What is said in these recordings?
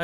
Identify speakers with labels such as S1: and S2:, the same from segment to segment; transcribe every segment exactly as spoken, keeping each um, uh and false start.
S1: ฮ้ย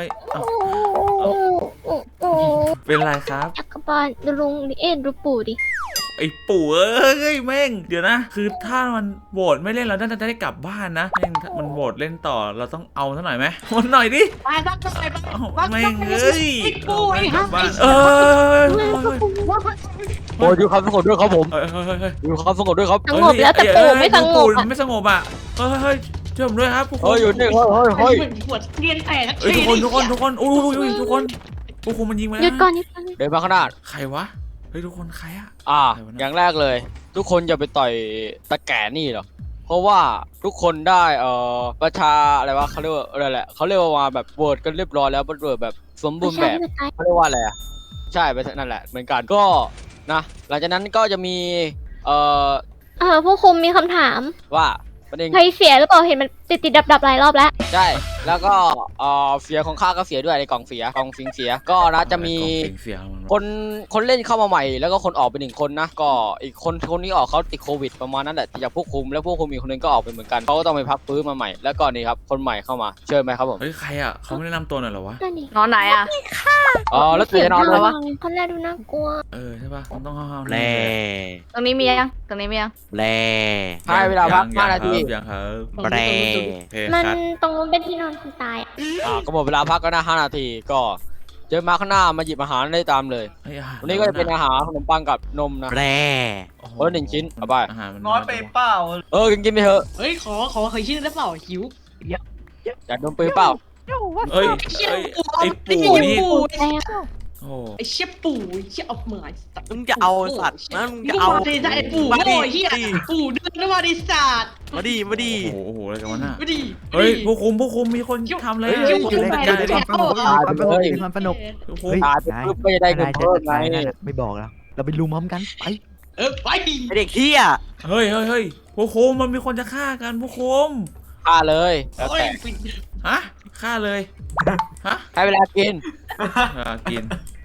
S1: เป็นไรครับ
S2: จักรบาลดูลุงดิเอ็ดดูปู่ดิ
S1: ไอ้ปู่เอ้ยแม่งเดี๋ยวนะคือถ้ามันโหวตไม่เล่นเราน่าจะได้กลับบ้านนะแม่งมันโหวตเล่นต่อเราต้องเอาซะหน่อยไหมมันหน่อยดิ
S3: ไปบ้านก็ไปบ้าน
S1: แม่งเอ้ย
S3: ไอ้ปู่ไอ้ฮะ
S1: เออ
S4: โอ้ยดูครับสงบด้วยครับผม
S1: เฮ้ยเฮ้ยเฮ้ย
S4: ดูครับสงบด้วยครับ
S2: สงบแล้วแต่ปู่ไม่สงบอ่ะ
S1: ไม่สงบอ่ะเฮ้ยเฮ้ยช่วยผมด้วยครับทุกคน
S4: เฮ้ยอยู่นี่เฮ้ยเฮ้ยเฮ้ย
S3: เหมือนปวดเรียนแต่ทัก
S1: เฮ้ย
S3: ที
S1: ทุกคนทุกคนทุกคนอุ้ยทุกคนพวกคุณมันยิงมา
S2: หยุดก่อนหยุดก่อน
S4: เดินมาข้างหน้า
S1: ใครวะเฮ้ยทุกคนใครอะ
S4: อ่าอย่างแรกเลย ทุกคนอย่าไปต่อยตะแก่นี่หรอกเพราะว่าทุกคนได้เอ่อประชาอะไรวะเขาเรียกว่าอะไรแหละเขาเรียกว่าแบบโหวตกันเรียบร้อยแล้วโหวตแบบสมบูรณ์แบบเขาเรียกว่าอะไรอ่ะใช่ไปนั่นแหละเหมือนกันก็นะหลังจากนั้นก็จะมีเอ่อ
S2: เออผู้คุมมีคำถาม
S4: ว่าประเด็น
S2: ใครเสียหรือเปล่าเห็นมันติดติดดับดับหลายรอบแล้ว
S4: ใช่แล้วก็เอ่อเสียของข้าก็เสียด้วยในกล่องเสียกล่องสิงเสียก็นะจะมีคนคนเล่นเข้ามาใหม่แล้วก็คนออกไปหนึ่งคนนะก็อีกคนคนนี้ออกเขาติดโควิดประมาณนั้นแหละจากผู้คุมแล้วผู้คุมอีกคนนึงก็ออกไปเหมือนกันเขาก็ต้องไปพักฟื้นมาใหม่แล้วก็นี่ครับคนใหม่เข้ามาเชิญไหมครับผม
S1: เฮ้ยใครอ่ะเขาไม่ได้นำตัวหน่อยเหรอวะ
S2: นั่นนี่
S3: นอนไหนอ่ะ
S4: อ๋อแล้วตื่นจะนอนเลยวะ
S2: คนแรกดูน่ากลัว
S1: เออใช่ป่ะต้องห้าม
S5: แร่
S3: ตรงนี้มียังตรงนี้มียัง
S5: แร่
S4: ให้เวลาพักห้านาที
S1: ยังครับ
S5: แร่
S1: โอเค
S2: มัน
S1: ครับ
S2: ตรงนู้นเป็นที่นอนคนตายอ่ะ
S4: อ่าก็หมดเวลาพักก็นะห้านาทีก็เจอมาข้างหน้ามาหยิบอาหารได้ตามเลยวันนี้ก็จะเป็นอาหารขนมปังกับนมนะ
S5: แร่
S4: เออหนึ่งชิ้นเอาไป
S1: อาหารมัน
S6: น้อยไปเปล่า
S4: เออกินกินไปเถอะ
S3: เฮ้ยขอขอเคยชื่อได้เปล่าหิว
S4: อยากนมปืนเปล่า
S1: เอ้ยไอ้ปู่นี่
S2: แล้
S1: โอ้
S3: ไอ้เชี่ยปู่ไอ้เชี่ยเอาเหมือน
S5: มึงจะเอาสัตว์นะมึงจะเอา
S3: ดิไอ้ปู่โง่ไอ้เหี้ยปู่เดินมาดิศาสตร์
S5: มาดิมาดิ
S1: โหโอ้โหอะไรกันวะน่ะ
S3: มาดิ
S1: เฮ้ยผู้คุมผู้คุมมีคนทำเลย
S3: เฮ้ยอยู่ใน
S1: จัด
S3: ใน
S1: การ
S3: ความสงบ
S7: ความสงบความสนุก
S1: ผู้คุม
S7: เฮ้ย
S4: ตายไปปุ๊บก็จะได้เงินเพิ่มไง
S7: ไม่บอกแล้ว เราไปลุมพร้อมกันไป
S3: เออไป
S5: ไอเด็กเฮีย
S1: เฮ้ยเฮ้ยเฮ้ยผู้คุมมันมีคนจะฆ่ากันผู้คุม
S4: ฆ่าเลยแล้ว
S3: โอ้ย
S4: แต่
S1: ฮะฆ่าเลยฮะ
S4: ให้เวลากิน
S1: อ่ากิน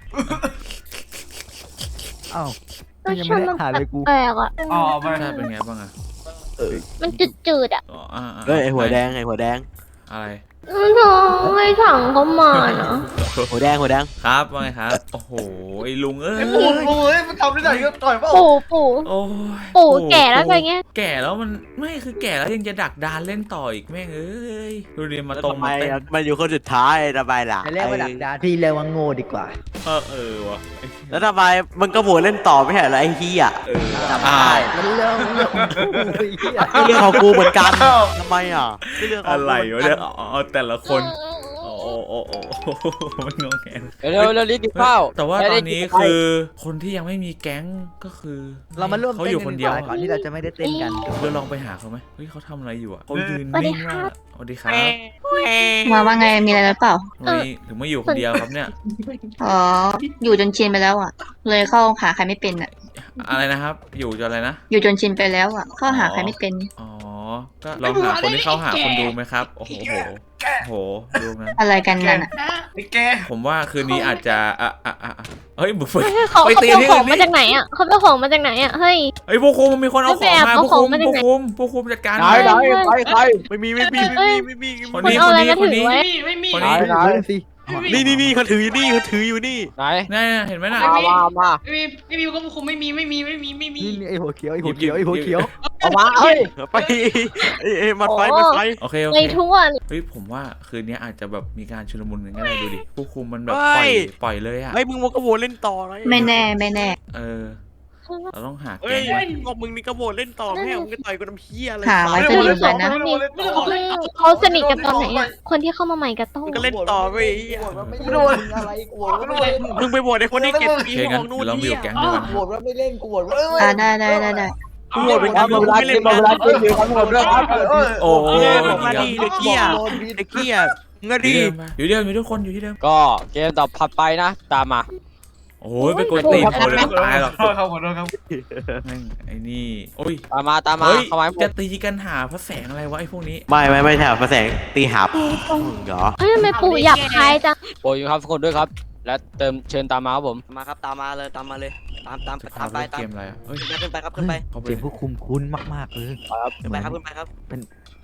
S7: อ้าว
S2: ก็
S7: ยัง
S2: ช
S7: ไม่
S2: น
S7: ได้
S2: มัน
S7: ถ่ายเลยกู
S2: แปลกๆอ่ะ
S6: อ๋อไป
S1: ใช่เป็นไงบ้างอะ
S2: มันจืดๆอ่ะ
S1: อ๋ออ่า
S5: เฮ้ยไอหัวแดงไอหัวแดง
S1: อะไร
S2: น้องไม่สั่งเขามาเนาะ
S5: หัวแดงหัวแดง
S1: ครับว่าไงครับโอ้โหไอ้ลุงเอ้ย
S6: ไอ้ปู่ปู่เอ้ยมันทำได้ไหนก็ต่อยเปล่า
S2: ปู่ปู่
S1: โอ้ย
S2: ปู่แก่แล้วไปเงี้ย
S1: แก่แล้วมันไม่คือแก่แล้วยังจะดักดานเล่นต่ออีกแม่งเอ้ยดูดิมาตรง
S5: ทำไม
S1: มาเต้น
S5: มันอยู่คนสุดท้ายทำไมล่ะ
S7: จะเรียกว่าดักดาพี่เรียกว่าโง่ดีกว่า
S1: เออเออวะ
S5: แล้วทำไมมึงก็โหวตเล่นต่อไม่ใช่เหรอไอ้เฮีย
S1: เออ
S5: จำ
S1: อ้า
S5: ได้
S1: ว
S7: มันเรื่องเรื่องโอ้ยเหี้ย
S5: ก็เรื่องของกูเหมือนกันทำไมอ่ะก็เรื่องของ
S1: อะไร
S5: กู
S1: วะ
S5: เหมือน
S1: เนี่
S5: กั
S1: ยอ๋อแต่ละคนโอ้โอ้โอ้โอ้มันงงแง
S4: เร็วเร็วรีบกินข้าว
S1: แต่ว่าตอนนี้คือคนที่ยังไม่มีแก๊งก็คือ
S7: เรามาร่วม
S1: เขา
S7: เต้
S1: อน ยู่
S7: กั
S1: คน น
S7: ดี
S1: เดี
S7: ก
S1: ยว
S7: ว่าก่อนที่เราจะไม่ได้เต้นกัน
S1: เราลองไปหาเขาไหมเฮ้ยเขาทำอะไรอยู่อ่ะเขายืนนิ่งมากสวัสดีครับ
S8: มาว่าไงมีอะไรหรือเปล่า
S1: ทำไมถึงไม่อยู่คนเดียวครับเนี่ย
S8: อ๋อ อยู่จนชินไปแล้วอ่ะ เลยเข้าหาใครไม่เป็นอ่ะ
S1: อะไรนะครับ อยู่จนอะไรนะ
S8: อยู่จนชินไปแล้วอ่ะ เข้าหาใครไม่เป็น
S1: อ๋อ ก็ลองหาคนที่เข้าหาคนดูไหมครับ โอ้โหโหดูนั้น
S8: อะไรกันนั่นอ่ะ
S6: ไอ้แก
S1: ผมว่าคืนนี้อาจจะอ่ะอ่ะอ่ะเฮ้ยบุฟเฟ่
S2: เฮ้ยเขา
S1: ไป
S2: เขา
S1: ตี
S2: เอา
S1: ที่
S2: ขอ
S1: อื่
S2: ง
S1: น
S2: มา
S1: นี่
S2: จากไหนอ่ะเขาเอาของมาจากไหนอ่ะเฮ้ย
S1: เฮ้ยผู้คุมมันมีคนเอาของมา
S2: เอา
S1: ผู้
S2: ขอ
S1: คุ
S2: ง
S1: ม
S2: มาจาก
S1: ผู้
S2: ไหน
S1: คุมผู้คุมจัดการ
S4: ไหนไหนใครใคร
S5: ไม่มีไม่มีไม่มีไม่มี
S1: คน
S2: คุณ
S1: นี้
S2: เอา
S1: คน
S2: อะไร
S1: นี้
S2: มา
S1: คน
S2: ถือ
S1: นี้
S2: ไว้
S3: ไม่มี
S1: คน
S4: ไหน
S1: นี้
S4: ไหน
S7: เล่นสิ
S5: นี่นี่นี่เขาถืออยู่นี่เขาถืออยู่นี่
S4: ไหน
S1: นี่เห็นไหมน่ะ
S4: มามามา
S3: ไม่มีไม่มีก็คงไม่มีไม่มีไม่มีไม่มี
S7: นี่นี่ไอ้หัวเขียวไอ้หัวเขียวไอ้หัวเขียว
S4: เอามาเฮ้ย
S5: ไปเอ้ยมันไฟมันไฟ
S1: โอเคโอ
S2: ใน
S1: เค
S2: ทั่ว
S1: เฮ้ยผมว่าคืนนี้อาจจะแบบมีการชุลมุนกันก็ได้ดูดิผู้คุมมันแบบปล่อยปล่อยเลยอ่ะ
S5: ไอ้มึงมันก็โหวตเล่นต่อเลย
S8: ไม่แน่ไม่แน่
S1: เออเราต้องหา
S5: เฮ้
S1: แก๊
S5: ย
S1: งไว้
S5: ก็มึงนี่ก็โหวตเล่นต่อแม่มึงก็ต่อยกูน้ำเฮียอะไร
S8: หาไว้จะดีเหมือนกันนะ
S6: ไม่รู้เลยไม่รู้เลย
S2: เขาสนิทกันตอนไหนอ่ะคนที่เข้ามาใหม่กับโต้
S5: มึงก็เล่นต่อไป
S7: ไม่โดนอะไรกู
S6: ไม่รู้เลย
S5: มึงไปโหวตไอ้คนที่เก็บ
S1: โอ
S5: ปี
S1: เค
S5: ข
S1: งั้
S5: อน งนู่น
S1: เราไปอ
S5: เฮีย
S1: ยู่แก๊งเดียวกัน
S7: โหวตว่าไม่เล่นกูโหวตว่า
S8: อ่าได้ได้ได้ได้
S5: กูโหวตเป็น
S4: เอา
S5: กู
S4: เวลา
S5: ไม่
S4: กิ
S5: เล่
S4: น
S5: น
S4: เวลากินอยู่ทั้งหมดด้วยครับ
S1: โอ้โห
S5: มาดีเด็กเกี้ยเด็กเกี้ยเงา
S1: ดี
S5: ดี
S1: อยู่เดิมอยู่ทุกคนอยู่ที่เดิม
S4: ก็เกมต่อถัดไปนะตามมา
S1: โอ้ยไปกดตีนคนเลยตายหรอก
S6: ขอโทษครับขอโทษครับ
S1: แม่งไอ้นี่โอ้ย
S4: ตามมาตามมา
S1: เฮ้ย
S4: เข้ามาให้หม
S1: จะ
S4: ด
S1: ตีกันหาพระแสงอะไรวะไอ้พวกนี้
S5: ไม่ไม่ไม่ใช่พระแสงตีหับเหรอ
S2: เฮ้ยทำไมปู่หยับคายจัง
S4: โปรยอยู่ครับทุกคนด้วยครับ และเติมเชิญตามมาครับผม
S9: มาครับตามมาเลยตามมาเลยตามตาม
S1: จะ
S9: ตามไป
S1: เล่น
S9: ตาม
S1: เกมอะไรอ่ะเฮ้ย
S9: ขึ้นไปครับขึ้นไป
S1: เขาไป
S7: เสียงผู้คุมคุ้นมากๆเลย
S4: ครับ
S9: ขึ้นไปครับขึ้นไปครับ
S1: ผู้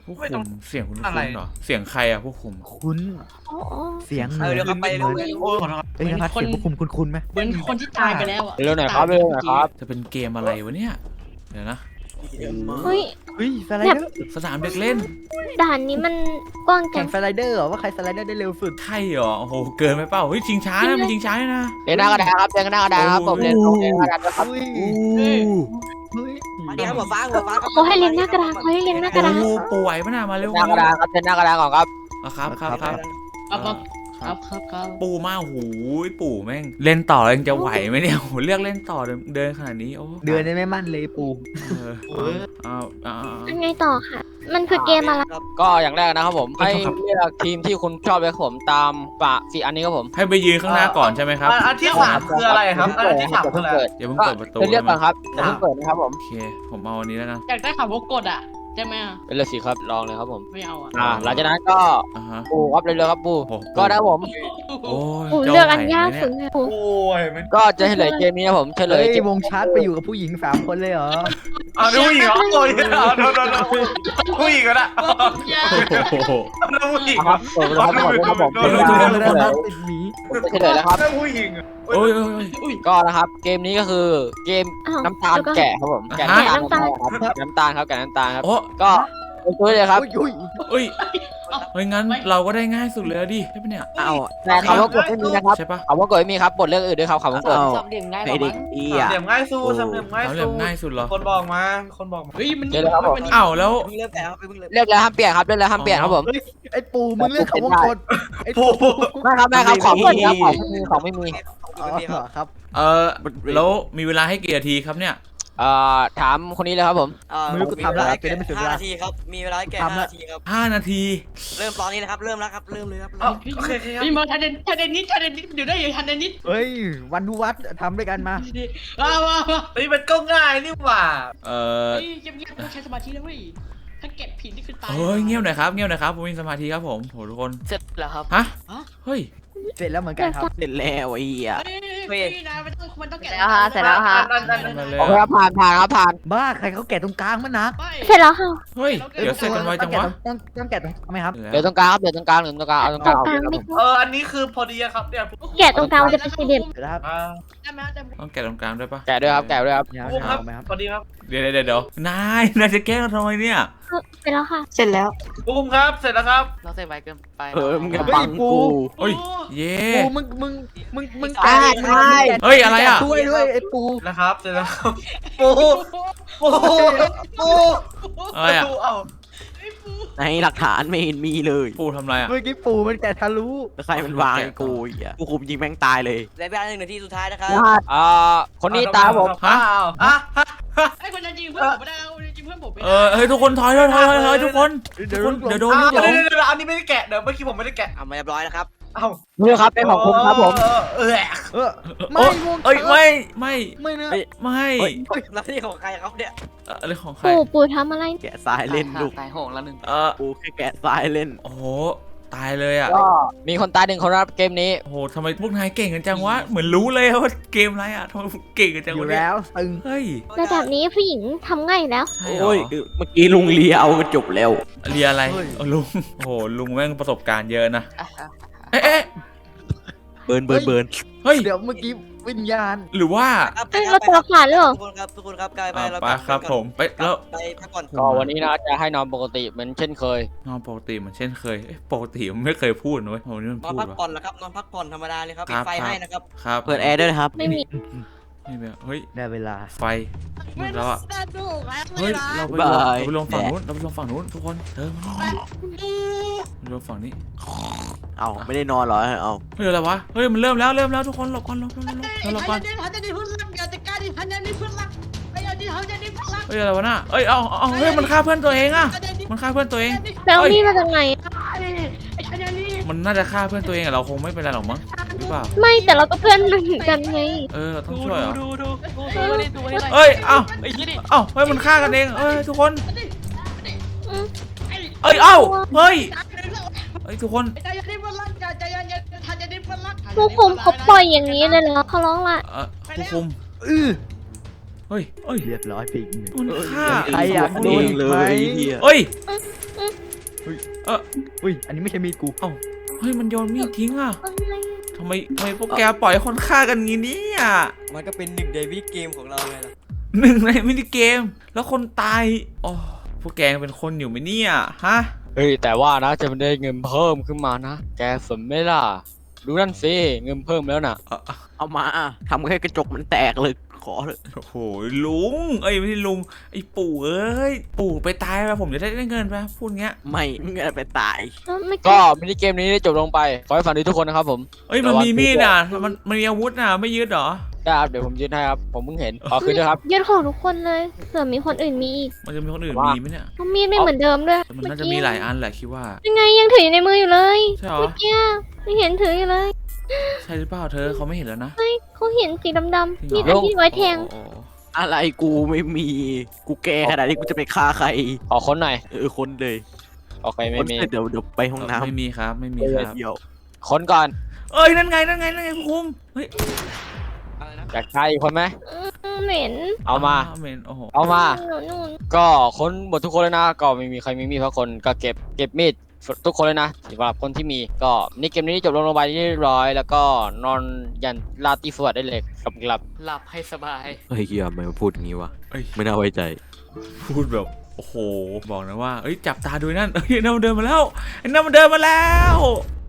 S1: ผู้คุมเสียงคุณคุ้นเหรอเสียงใครอะผู้คุม
S7: คุณ
S2: อ๋อ
S7: เสียง
S9: เออเดี๋ยวครับไปเร็วเลย
S6: โอ้ยขอโทษครับ
S7: เอ้ยนภัสเสียงพวกคุณคุณคุณไหม
S3: เหมือนคนที่ตายไปแล้วอ่ะ
S4: เร็วหน่อยครับเร็วหน่อยครับ
S1: จะเป็นเกมอะไรวะเนี่ยเดี๋ยวนะ
S2: เฮ้ย
S7: เฮ้ยสไลเดอร์
S1: สนามเด็กเล่น
S2: ด่านนี้มันกว้างจั
S7: แข่
S2: ง
S7: งสไลเดอร์เหรอว่าใครสไลเดอร์ได้เร็วสุด
S1: ใช่เหรอโอ้โหเกินไปเปล่าเฮ้ยชิงช้านะมันชิงช้าด้วยนะ
S4: เรียนหน้ากระดานครับเรียนหน้ากระดานครับผมเรียนเรียนหน้ากระดานนะครับ
S7: อุ้ยเฮ้ย
S9: มาดีครับหัวฟ้าหัวฟ้าครับ
S2: เขาให้เรียนหน้ากระดานเขาให้เรียนหน้ากระดาน
S1: โอ้โหป่วยปะน่ะมาเร็ว
S4: หน้ากระดานครับเรียนหน้ากระดานก่อนครับ
S1: อ่ะครับครับครับ
S3: ครับครับครับครับ
S1: ปู่มาโอ้โหปู่แม่งเล่นต่อแล้วยังจะไหวไหมเนี่ยโอ้โหเลือกเล่นต่อเดินเดินขนาดนี้โอ้
S7: เดือนได้ไม่มั่นเลยปู
S1: เออเอาเอาเอาเอา
S2: ยังไงต่อค่ะ มันคือเกมอะไร
S9: ครับ
S4: ก็อย่างแรกนะครับผมให้เลือกทีมที่คุณชอบเลยครับผมตามปะสี่อันนี้ครับผม
S1: ให้ไปยืนข้างหน้าก่อนใช่ไหมครับ
S6: อันอันที่สามคืออะไรครับอันที่สามคืออะไร
S1: อย่าเพิ่ง
S4: ก็
S1: เปิดประตู
S4: เลือก
S1: ใช่ไหม
S4: ก่อนครับอย่าเพิ่งเปิดนะครับผม
S1: โอเคผมเอาอันนี้แล้วกัน
S3: อยากได้ข่าวว่ากดอ่ะใช่ไหมอ่ะ
S4: เป็นเลยสิครับลองเลยครับผม
S3: ไม่เอาอ่ะ
S4: อ่าหลังจากนั้นก็
S1: อ่าฮะ
S4: ปูครับเร็วๆครับปู
S1: โอ้โห
S4: ก็ได้ผม
S1: โอ้ย
S2: ปู่
S1: จะ
S2: เลือกอัน
S1: ไหวย
S2: าก
S1: ไหม
S2: สุด
S1: เนี่
S2: เลยปู่
S6: โอ้ยมัน
S4: ก็จะเฉลยเกมนี้นะผมเฉล
S7: เฮ้
S4: ย
S7: ย
S4: เกม
S7: วงชาร์จไปอยู่กับผู้หญิงสามคนเลยเหรอ
S6: เอาดูผู้หญิงเหรอโอ้ยเอาโดนโดนโดนผู้หญิงก็ได้
S1: โอ้โห
S6: เอาผู้หญิง
S4: ครับเปิดเลยครับครับผม
S1: โดนโดนโดนโดน
S7: แล้วนะติดหมี
S4: ผมจะเฉลยแล้วครับ
S6: เอาผู้หญิง
S1: โอ้ยโอ้ยโอ้ย
S4: ก็นะครับเกมนี้ก็คือเกม
S2: อ้าว
S4: น้ำตาล
S2: เดี๋ยวก่อน
S4: แกะครับผมแกะ
S1: ฮะ
S4: น้ำตาลครับน้ำตาลครับแกะน้ำตาลครับ
S1: โอ้
S4: ก็เป็นตัวเลยครับ
S7: อุ้ยอุ้ย
S1: เอ้ยเฮ้ยงั้นเราก็ได้ง่ายสุดเลยอะดิใช่ปะเนี่ย
S5: เอา
S4: แต่คำว่ากดไม่มีนะครับ
S1: ใช่ปะ
S4: คำว่ากดไม่มีครับบทเรื่องอื่นด้วยครับคำว่ากด
S5: เอา
S3: สามเหลี่ยมง่ายก
S5: ไอ
S3: ว่า
S5: เด็
S3: มั้
S5: ก
S3: ง
S5: อี
S6: สาม
S5: อ่ะ
S6: เหลี่ยมง่ายสู้สามเหลี่ยมง่าย
S1: เราเรีย
S6: สู้
S1: กง่ายสุดเหรอ
S6: คนบอกมาคนบอกมา
S3: เฮ้ยมัน
S4: เดี๋ยวนะครับผม
S1: อ้าวแล้ว
S9: เพิ่งเริ่มแกะครับเพิ่งเริ่ม
S4: เลือกแล้วห้ามเปลี่ยนครับเลือกแล้วห้ามเปลี่ยนครับผม
S7: เฮ้ยไอ้ปูมึงเลือกคำว่ากดไอ้ปู
S4: ไม่ครับไม่ครับของไม่มีครับของไม่มีของไม่มี
S7: อ๋อเหรอครับ
S1: เออแล้วมีเวลาให้กี่นาทีครับเนี่ย
S4: เอ่อถามคนนี้เลยครับผม
S9: อ่า
S7: ไม่รู้กูทำแล้วจะได้ไม่เสียเว
S9: ห้า
S7: ลา
S9: นาทีครับมีเวลาให้แกะ
S7: ทำ
S9: ห้า
S7: ละ
S9: นาทีครับ
S1: ห้านาที
S9: เริ่มตอนนี้นะครับเริ่มแล้วครับเริ่มเลยครับ
S6: เอาโอเคครับ
S3: นี่มาทันเดนทันเดนนิดทันเดนนิดเดี๋ยวได้ยังทันเดนนิด
S7: เฮ้ยวันทุวัดทำด้วยกันมา
S3: ว้าวว้าว
S6: เฮ้ยมันก็ง่ายนี่หว่า
S1: เออ
S3: เฮ้ยเงียบๆต้องใช้สมาธินะเว้ยถ้าเก็บผิดนี่คือตาย
S1: เฮ้ยเงียบหน่อยครับเงียบหน่อยครับผมมีสมาธิครับผมโหทุกคน
S3: เสร็จแล้วครับ
S1: ฮะเฮ้ย
S7: เสร็จแล้วเหมือนกันครับ
S5: เสร็จแล้วไอ้เหี้ย
S3: เฮ้ยนะมันต้องมันต้องแกะ
S2: เสร็จแล้วค่ะ
S6: อันอันอัน
S1: มา
S6: อัน
S1: เลย
S4: โอเคครับผ่านผ่านครับผ่าน
S7: บ้าใครเขาแกะตรงกลางมันนะ
S2: เสร็จแล้วค่ะ
S1: เฮ้ยเดี๋ยวเสร็จกันไวจังวะ
S7: ต้องต้องแกะตรงทำไมครับ
S4: เดี๋ยวตรงกลางครับเดี๋ยวตรงกลางเดี๋ยวตรงกลางเอาตรง
S2: ต
S4: ก
S2: ร
S4: ลาง
S2: งกลาง
S4: เอา
S2: ไม่
S4: ครับ
S2: ต้อง
S6: เอออันนี้คือพอดีครับเนี่ย
S2: แกะตรงกลางมันจะเป็นสี่เหลี่ยม
S7: เสร็จแล้วครับ
S6: อ่า
S3: ได้ไหมได้
S1: ต้องแกะตรงกลางด้วยปะ
S4: แกะด้วยครับแกะด้วยครับ
S7: ยาว
S6: ปุ๊บครับ
S7: ๆไหมครับ
S6: พอดีครับ
S1: เดี๋ยวเดี๋ยวเดี๋ยวนายนายจะแกล้งเราทำไมเนี่ย
S2: เสร็จแล้วค่ะ
S8: เสร็จแล้ว
S6: ปุ๊บครับเสร็จแล้วครับ
S3: เราใส่ไวเกินไป
S5: เออมึงอย่าบังกู
S1: เฮ้ยเย่
S7: ปูมึงมึงมึงมึง
S4: อ่าใช่
S1: เฮ้ยอะไรอ่ะ
S7: ด้วยด้วยไอ้ปู
S6: นะครับเสร็จแล้วครับปูปูปู
S1: อะไรอ่ะ
S6: ปูเอา
S5: ในหลักฐานไม่เห็นมีเลย
S1: ปูทำอะไรอ่ะ
S7: เมื่อกี้ปูมันแกะทะลุ
S5: แล้วใครมันวางไอ้กูอีกอ่ะกูคุมยิงแม่งตายเลย
S9: และเวลาหนึ่งนาทีสุดท้ายนะครับ
S4: เอ่อคนนี้ตามผม
S6: อ้าวอ่ะฮะ
S3: ไอ้คนนั้นจริงเพื่อนผมไม่ได้เอาจริงเพื่อนผมไม่
S1: เอ
S3: ได้
S1: อเฮ้ยทุกคนถอยถอยถอยถอยถอยทุกคนทุกคนเดี๋ยวโดนลูกหล
S6: เดี๋ยว
S1: ง
S6: เดี๋ยวเดี๋ยวอันนี้ไม่ได้แกะเดี๋ยวเมื่อกี้ผมไม่ได้แกะ
S9: เอามาเรียบร้อยแล้วครับ
S6: เอ้า
S4: นี่ครับเป็นของคุณครับผม
S6: เออเออ
S7: เออ
S1: โอ้
S7: ไม่วง
S1: เอ้ยไม่ไม่
S7: ไม่นะ
S1: ไม่
S9: แล้วนี่ของใครครับเนี่ย
S1: เอ่ออะไรของใคร
S2: ปู่ปู่ทำอะไร
S5: แกะทรายเล่นลูก
S3: ตายโหงแล้วหนึ่ง
S1: เออ
S5: กูแค่แกะทรายเล่น
S1: โอ้โหตายเลยอ่ะ
S4: ก็มีคนตายหนึ่งคนครับเกมนี้
S1: โอ้โหทำไมพวกนายเก่งกันจังวะเหมือนรู้เลยว่าเกมอะไรอ่ะทำไมเก่งกันจัง
S7: อยู่
S1: วะเนี่ย
S7: แล้วตึง
S1: เฮ้ย
S2: ระดับนี้ผู้หญิงทำง่ายอยู่แล้ว
S1: ใช่เหรอ
S5: โอ้ยเมื่อกี้ลุงเลียเอากระจบแล้ว
S1: เรียอะไรเอาลุงโอ้โหลุงแม่งประสบการณ์เยอะนะเอ๊ะเอ๊ะ
S5: เบิร์นเบิร์นเบิร์น
S1: เฮ้ย
S7: เดี๋ยวเมื่อกี้วิญญาณ
S1: หรือว่า
S9: ครับ
S2: เอ้ยเราตัวขาดหรือเปล่า
S9: ทุกคนครับทุกคนครับกลายไป
S1: อ่า
S9: แล้ว
S1: ไปครับผมไปแล้ว
S9: ไปพักก่อน
S4: ก็วันนี้นะจะให้นอนปกติเหมือนเช่นเคย
S1: นอนปกติเหมือนเช่นเคยเอ๊ะปกติมันไม่เคยพูดนะเว้ยโอ้โหนี่มัน
S9: นอน
S1: พูด
S9: พัก
S1: วะ
S9: ผ่อนแล้วครับนอนพักผ่อนธรรมดาเลยครับ
S1: ค
S9: ปิ
S1: รั
S9: ด
S1: บ
S9: ไฟ
S1: ครับ
S9: ให้นะครับ
S1: ครับ
S5: เปิดแอร์ด้วยนะครับ
S2: ไม่มี
S1: นี่แบบเฮ้ย
S7: ได้เวลา
S1: ไฟมืดแล้วอ่ะ
S3: สนุกแล้ว
S1: เฮ้ยเราไปลง
S5: บาย
S1: เราไปลงฝั่งนู้นเราไปลงฝั่งนู้นทุกคนเธอมาเราลงฝั่งนี้
S5: เอาไม่ได้นอนเหรอเอา
S1: เฮ้ยอะไรวะเฮ้ยมันเริ่มแล้วเริ่มแล้วทุกคนหลบก่อนหลบก่อนหลบก่อนหลบก่อน
S3: พันจะได้พึ่งรักอยากจะกล้าดิพันจะได้พึ่งรักไอ้เอาดิเขาจะได้พึ่งรัก
S1: เฮ้ยอะไรวะน่ะเอ้ยเอาเอาเฮ้ยมันฆ่าเพื่อนตัวเองอ่ะมันฆ่าเพื่อนตัวเอง
S2: แล้วนี่มาจากไหน
S3: ไอ้ชันนี่
S1: มันน่าจะฆ่าเพื่อนตัวเองอะเราคงไม่เป็นไรหรอกมั้งหรือเปล่า
S2: ไม่แต่เราก็เพื่อนมันเหมือนกันไง
S1: เออเราต้องช่วยเหรอ
S3: ดูดูดูดูนี่ดูนี่
S1: เอ้ยเอ้า
S3: ไอ้ยี่นี่
S1: เอ้าเฮ้ยมันฆ่ากันเองเอ้ยทุกคน
S2: อืม
S1: เอ้ยเอ้าเฮ้ยเอ้ยทุกคน
S3: ใจเย็นดิพึ่งรักใจเย็นเย็นทันจะได้พึ่งรัก
S2: ผู้คุมเขาปล่อยอย่างนี้เลยเหรอเขาร้องละ
S1: เออผู้คุม
S7: อื้อ
S1: เฮ้ยเอ้ย
S7: เรียบร้อยพิง
S1: มันฆ่า
S7: ใครอยาก
S5: โดนเลยเฮีย
S1: เอ้ยเออ
S7: อุ้ยอันนี้ไม่ใช่มีดกู
S1: เอ้าเฮ้ยมันโยนมีดทิ้งอ่ะ
S2: อะไร
S1: ทำไมทำไมพวกแกปล่อยให้คนฆ่ากันงี้เนี่ย
S9: มันก็เป็นหนึ่งในวิดีเกมของเราไงล่ะ
S1: หนึ่งในมินิเกม แล้วคนตายอ๋อพวกแกยังเป็นคนอยู่ไหมเนี่ยฮะ
S4: เฮ้ยแต่ว่านะจะได้เงินเพิ่มขึ้นมานะ แกสนไหมล่ะ ดูนั่นสิเงินเพิ่มแล้วน่ะ
S1: อ่ะ
S5: เอามาทำให้กระจกมันแตกเลยขอเลย
S1: โอ้โหลุงเอ้ยไม่ใช่ลุงไอ้ปู่เอ้ยปู่ไปตายแล้วผมจะได้ได้เงินไหมพูดงี้
S5: ไม่เงินไปตาย
S2: แล้วไม่
S4: ก็มินิเกมนี้ได้จบลงไป ขอให้ฝันดีทุกคนนะครับผม
S1: เอ้ยมันมีมีดน่ะมันมันมีอาวุธน่ะไม่ยึดเหรอ
S4: ได้ครับเดี๋ยวผมยืนให้ครับ ผมเพิ่งเห็นขอคืนด้วยครับ
S2: ยึดของทุกคนเลยเผื่อมีคนอื่นมีอีก
S1: มันจะมีคนอื่น
S4: ว่ามี
S1: มีไหมเนี่ย
S2: เพราะมีดไม่เหมือนเดิมด้วย
S1: แต่มันน่าจะมีหลายอันแหละคิดว่า
S2: ยังไงยังถืออยู่ในมืออยู่เลย
S1: ใช่เหรอ
S2: เมื่อกี้ไม่เห็นถืออยู่เลย
S1: ใช่หรือเปล่าเธอเขาไม่เห็นแล้วนะ
S2: เฮ้ยเขาเห็นสีดำ
S1: จริ
S2: ๆ
S1: งเหรอ
S2: มีดอันที่ไว้แทง
S1: โอ้โห
S5: อะไรกูไม่มีกูแก่ขนาดนี้กูจะไปฆ่าใคร
S4: ขอค้นหน่อย
S5: เออคนเลย
S4: โอเคไม่
S5: คน
S4: มี
S5: เสร็จเดี๋ยวเดี๋ยวไปห้องน้ำ
S1: ไม่มีครับไม่มีครับ
S5: เดี๋ยว
S4: ค้นก่อน
S1: เอ้ยนั่นไงนั่นไงนั่นไงคุณคุมเฮ้ย
S4: อยากใช้อีกคนไหม
S2: อืมเหม็น
S4: เอามา
S1: เหม็นโอ้โห
S4: เอามา
S2: นู่น
S4: ก็ค้นหมดทุกคนเลยนะ ก็ไม่มีใครมีมีดสักคนก็เก็บเก็บมีดทุกคนเลยนะสำหรับคนที่มีก็นี่เกมนี้จบลงลงไปเรียบร้อย แล้วก็นอนยันลาตีสวัสดได้เลยกับหลับ
S3: หลับให้สบาย
S5: เฮ้ยเฮียทำไมมาพูดอย่างนี้วะ
S1: เอ้ย
S5: ไม่น่าไว้ใจ
S1: พูดแบบโอ้โหบอกนะว่าเอ้ยจับตาดูนั่นเอ้ยนั่นมันเดินมาแล้วไอ้นั่นมันเดินมาแล้ว